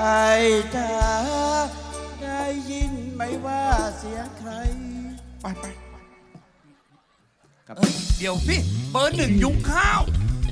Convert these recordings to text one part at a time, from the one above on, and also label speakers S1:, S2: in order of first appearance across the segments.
S1: จ๋าได้ยินไหมว่าเสียงใครไป
S2: ครับเดี๋ยวพี่เบอร์ 1ยุงข้าว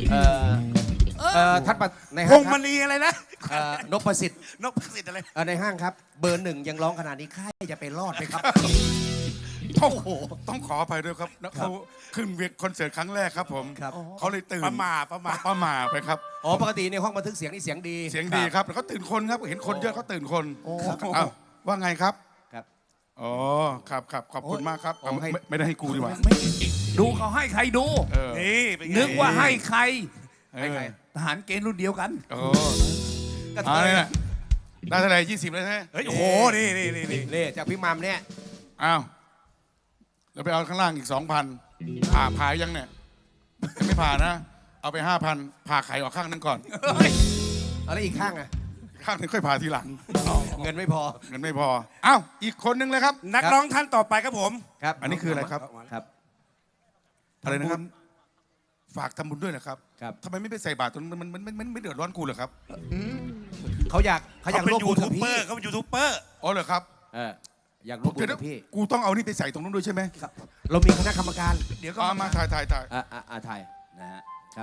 S3: ทัดมาใน
S2: พ
S3: ห้าง
S2: ง
S3: ค
S2: ม
S3: รับ
S2: ณีอะไรนะ
S3: นพประสิทธิ์
S2: นกประสิทธิ์อะไร
S3: ในห้างครับเบอร์ 1ยังร้องขนาดนี้ใครจะไปรอดไหมครับ
S4: ต้องขออภัยด้วยครับนะเขาขึ้นเวทีคอนเสิร์ตครั้งแรกครับผม
S3: ครับ
S4: เขาเลยตื่น
S2: ประมา
S4: ไปครับ
S3: อ๋อปกติในห้องบันทึกเสียงนี่เสียงดี
S4: เสียงดีครับแล้วเขาตื่นคนครับเห็นคนเยอะเขาตื่นคน
S3: ครับ
S4: อ้าวว่าไงครับ
S3: ครับ
S4: อ๋อครับขอบคุณมากครับ
S3: โอ้ให้
S4: ไม่ได้ให้กูดีกว่า
S2: ไม่ดูเขาให้ใครดู
S4: เออ
S2: นี่นึกว่าให้ใคร
S3: ให้ใคร
S2: ทหารเกณฑ์รุ่นเดียวกัน
S4: โอ้
S3: ก็
S4: อะไรเนี่ยได้เท่าไหร่20เลยใช่ไหม
S2: เฮ้ยโอ้โหนี่
S3: เล่จากพี่มัมเนี่ย
S4: อ้าวแล้วไปเอาข้างล่างอีก 2,000ผ่ายังเนี่ยยังไม่ผ่านะ เอาไป 5,000ผ่าไข่ออกข้างนึงก่อน
S3: เอาแล้วอีกข้างอ่ะ
S4: ข้างนึงค่อยผ่าทีหลัง
S3: เงินไม่พอ
S4: เงินไม่พออ้าวอีกคนนึงเลยครับ
S2: นักร้องท่านต่อไปครับผม
S3: ครับ
S4: อันนี้คืออะไรครับ
S3: ครับ
S4: อะไรนะครับ ฝากทำบุญด้วยนะครับ
S3: ครับ
S4: ทำไมไม่ไปใส่บาตรตรงนั้นมันไม่เดือดร้อนกูเหรอครับ
S3: เขาอยากร่วมบุญกับพี่
S2: เขาเป็นยูทูบเบอร์
S4: อ๋อเหรอครับ
S3: อยากร่วมบุญกับพี่
S4: กูต้องเอานี่ไปใส่ตรงนู้นด้วยใช่ไหม
S3: ครับเรามีคณะกรรมการ
S2: เดี๋ยวก็
S4: เอามาถ่าย
S3: ถ่ายนะฮะครับ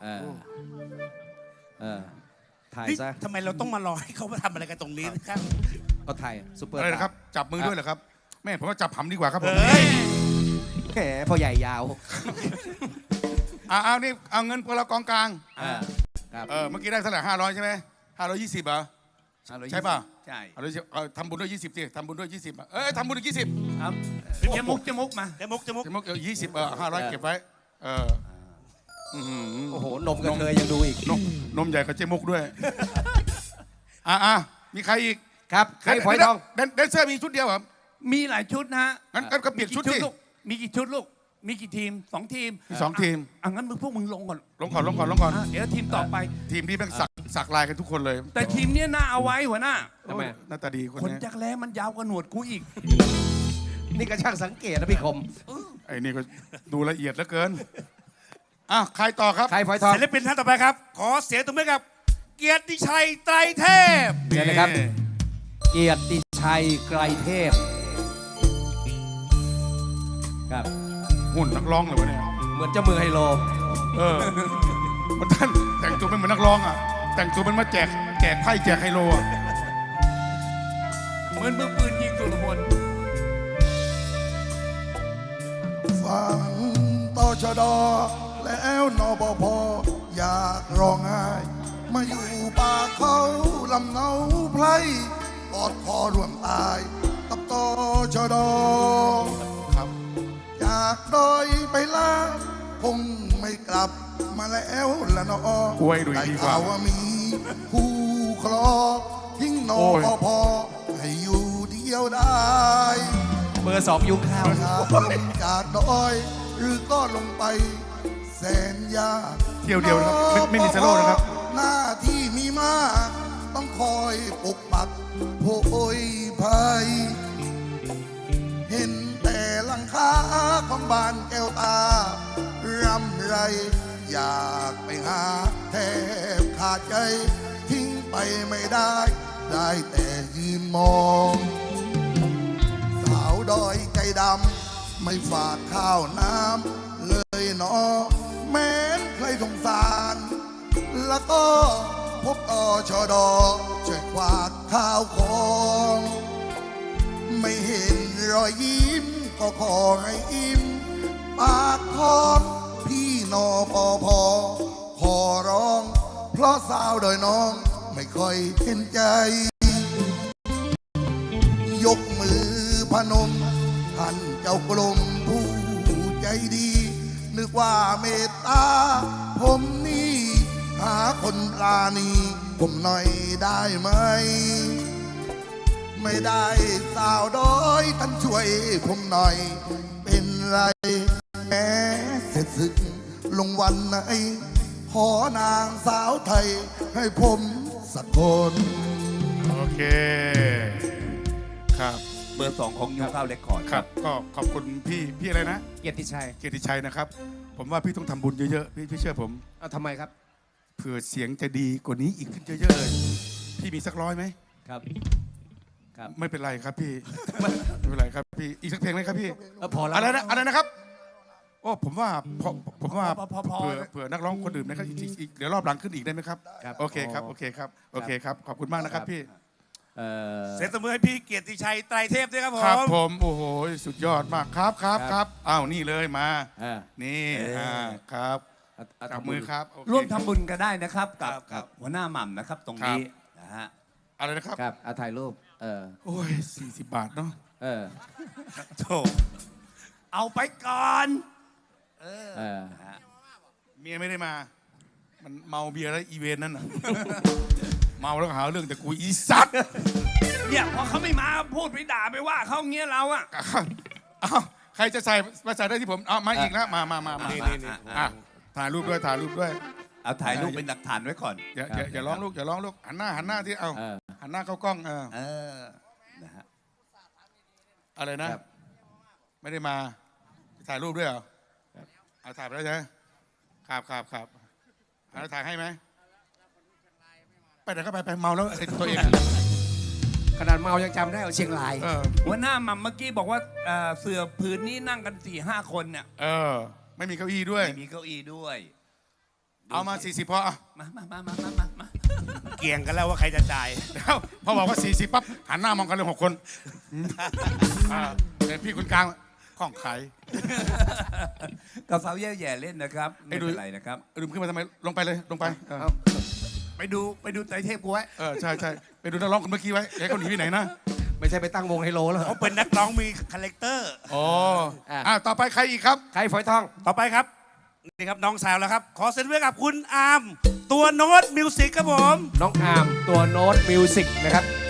S3: ถ่าย
S2: นี่
S3: ซะ
S2: ทำไมเราต้องมารอให้เขามาทำอะไรกันตรงนี้นะครับ
S3: ก็ถ่ายซุปเปอร์
S4: อะไรนะครับ จับมือด้วยเหรอครับแม่ผมว่าจับหำดีกว่าครับผม
S2: เฮ้ย
S3: แหมพอใหญ่ยาว
S4: เอานี่เอาเงินพวกเรากองกลาง
S3: ครับ
S4: เมื่อกี้ได้เท่าไหร่500ใช่ไหม520เหรอ ใช่ป่ะ
S2: ใช่
S4: เอาทำบุญด้วย20สิทำบุญด้วย20ทำบุญด้วย20
S2: ครับเจมุกมาเจมุก
S4: สมมติ20 500เก็บไว้
S3: โอ้โหนมกระเทยยังดูอีก
S4: นมใหญ่กับเจมุกด้วยมีใครอีก
S3: ครับใครพลอยทอง
S4: แดนเซอร์มีชุดเดียวเหรอ
S2: มีหลายชุดนะฮะ
S4: งั้นก็เปลี่ยนชุดสิ
S2: ลูกมีกี่ชุดลูกมีกี่ทีม2 ทีม
S4: มี2 ทีม
S2: งั้นพวกมึงลงก่อน
S4: ลงก่อน
S2: เดี๋ยวทีมต่อไป
S4: ทีมนี้แม่งสักลายกันทุกคนเลย
S2: แต่ทีมเนี้ยน่าเอาไว้หัวหน้า
S3: ทำไม
S4: หน้าตาดีคน
S2: คน
S4: นี้
S2: จักแร้มันยาวกว่าหนวดกูอีก
S3: นี่ก็ช่างสังเกตนะพี่คม
S4: ไอ้นี่ก็ดูละเอียดเหลือเกินใครต่อครับ
S3: ใครพลอยทอง
S2: ศิลปินท่านต่อไปครับ ขอเสียงตบมือกับ เกียรติชัยไตรเทพ
S3: เชิญเลยครับ เกียรติชัยไกรเทพครับ
S4: หุ่นนักร้องเลยวะเนี่ย
S3: เหมือนเจ้ามือไฮโล
S4: มันท่านแต่งตัวเป็นเหมือนนักร้องแต่งตัวเป็นมาแจกไพ่แจกไฮโล
S2: เหมือนมือปืนยิงสุรพล
S5: ฟังตชดแล้วนบพอยากร้องไห้มาอยู่ป่าเขาลำเนาไพรกอดคอร่วมตายกับตชดครับจากดอยไปลาคงไม่กลับมาแล้วละนอก
S4: ล้วยดูดีกว่า
S5: ข่าวว่ามีผู้ครองทิ้งนบพให้อยู่เดียวได้
S3: เบอร์ 2ยุคข้าว
S5: จากลงจากดอยหรือก็ลงไปแสนยาก
S4: เที่ยวเดียวนะครับไม่มีสโลว์นะครับ
S5: หน้าที่มีมากต้องคอยปกปักโพยภัย เห็นแต่หลังคาของบ้านแก้วตารำไร อยากไปหาแทบขาดใจ ทิ้งไปไม่ได้ ได้แต่ยืนมอง สาวดอยใจดำไม่ฝากข้าวน้ำเลยเนอแม้นใครสงสาร แล้วก็พบชดช่วยควักข้าวของ ไม่เห็นรอยยิ้มก็ขอให้อิ่มปากท้องพี่นอปอพอขอร้อง เพราะสาวดอยน้องไม่ค่อยเห็นใจ ยกมือพนมท่านเจ้ากรมผู้ใจดี นึกว่าเมตตาผมนี่หาคนปราณีผมหน่อยได้ไหม ไม่ได้สาวดอยท่านช่วยผมหน่อย เป็นไรแม้เสร็จศึกลงวันไหน ขอนางสาวไทยให้ผมสักคน
S4: โอเคครับ
S2: เบอร์ 2ของยูข้าวเรคคอร์ด
S4: ครับก็ขอบคุณพี่อะไรนะ
S3: เกียรติชัย
S4: เกียรติชัยนะครับ ผมว่าพี่ต้องทำบุญเยอะๆพี่เชื่อผม
S3: ทำไมครับ
S4: เผื่อเสียงจะดีกว่านี้อีกขึ้นเยอะๆเลยพี่มีสักร้อยไหม
S3: ครับ ครับ
S4: ไม่เป็นไรครับพี่ ไม่เป็นไรครับพี่ อีกสักเพลงไหมครับพี่
S3: พอแล้ว
S4: อะไรนะครับ โอ้ผมว่าผมว่า
S2: พอ
S4: เผื่อนักร้องคนอื่นนะครับอีกเดี๋ยวรอบหลังขึ้นอีกได้ไหมครับ
S3: ครับ
S4: โอเคครับโอเคครับโอเคครับขอบคุณมากนะครับพี่
S2: เสียงตบมือให้พี่เกียรติชัยไตรเทพด้วยครับผม
S4: ครับผมโอ้โหสุดยอดมากครับอ้าวนี่เลยมา
S3: อ่า
S4: นี่ครับ จับมือครับโอเค
S6: ร่วมทำบุญก็ได้นะครับกับ
S2: ครับ
S6: หัวหน้าหม่ำนะครับตรงนี้นะฮะ
S4: อะไรนะครับ
S3: ครับเอาถ่ายรูป
S4: โอ้ย40 บาทเนาะ
S2: โถ
S6: เอาไปก่อน
S4: เมียไม่ได้มา มันเมาเบียร์แล้วอีเวนต์นั่นน่ะ เมาแล้วก็หาเรื่องแต่กูอีสัตว์
S6: เนี่ยพอเขาไม่มาพูดไปด่าไปว่าเขาเงี้ยเราอะ
S4: อ้าวใครจะใส่มาใส่ได้ที่ผมเอามาอีกแล้วมานี่อ่ะถ่ายรูปด้วย
S6: เอาถ่ายรูปเป็นหลักฐานไว้ก่อน
S4: อย่าร้องลูกหันหน้าที่เอาหันหน้าเข้ากล้อง
S6: นะฮะ
S4: อะไรนะ ไม่ได้มาถ่ายรูปด้วยเหรอเอาถ่ายไปแล้วใช่ไหมครับเอาถ่ายให้ไหมไปไหนก็ไปเมาแล้วไอ้ตัวเอง
S3: ขนาดเมายังจำได้เอาเชียงราย
S6: หัวหน้าหม่ำเมื่อกี้บอกว่าเสือผืนนี้นั่งกัน 4-5 คนเนี่ย
S4: ไม่มีเก้าอี้ด้วย
S6: ไม่มีเก้าอี้ด้วย
S4: เอามา40พอ
S6: มา
S2: เกี่ยงกันแล้วว่าใครจะจ่าย
S4: แล้วพอบอกว่า40ปั๊บหันหน้ามองกันเลย6 คนเดี๋ยวพี่คนกลางข้องไข
S6: กับสาวแย่ๆเล่นนะครับไม่เป็นไรนะครับ
S4: ลืมขึ้นมาทำไมลงไปเลยลงไป
S6: ไปดูไตรเทพกูไว้
S4: ใช่ไปดูนักร้องคนเมื่อกี้ไว้อย่าให้เขาหนีไปไหนนะ
S3: ไม่ใช่ไปตั้งวงไฮโลแล้ว
S2: เขาเป็นนักร้องมีคาแรคเตอร์
S4: ต่อไปใครอีกครับ
S3: ใครฝอยทอง
S2: ต่อไปครับ นี่ครับน้องสาวแล้วครับ ขอเซ็นไว้กับคุณอาร์มตัวโน้ตมิวสิกครับผม
S3: น้องอาร์มตัวโน้ตมิวสิกนะครับ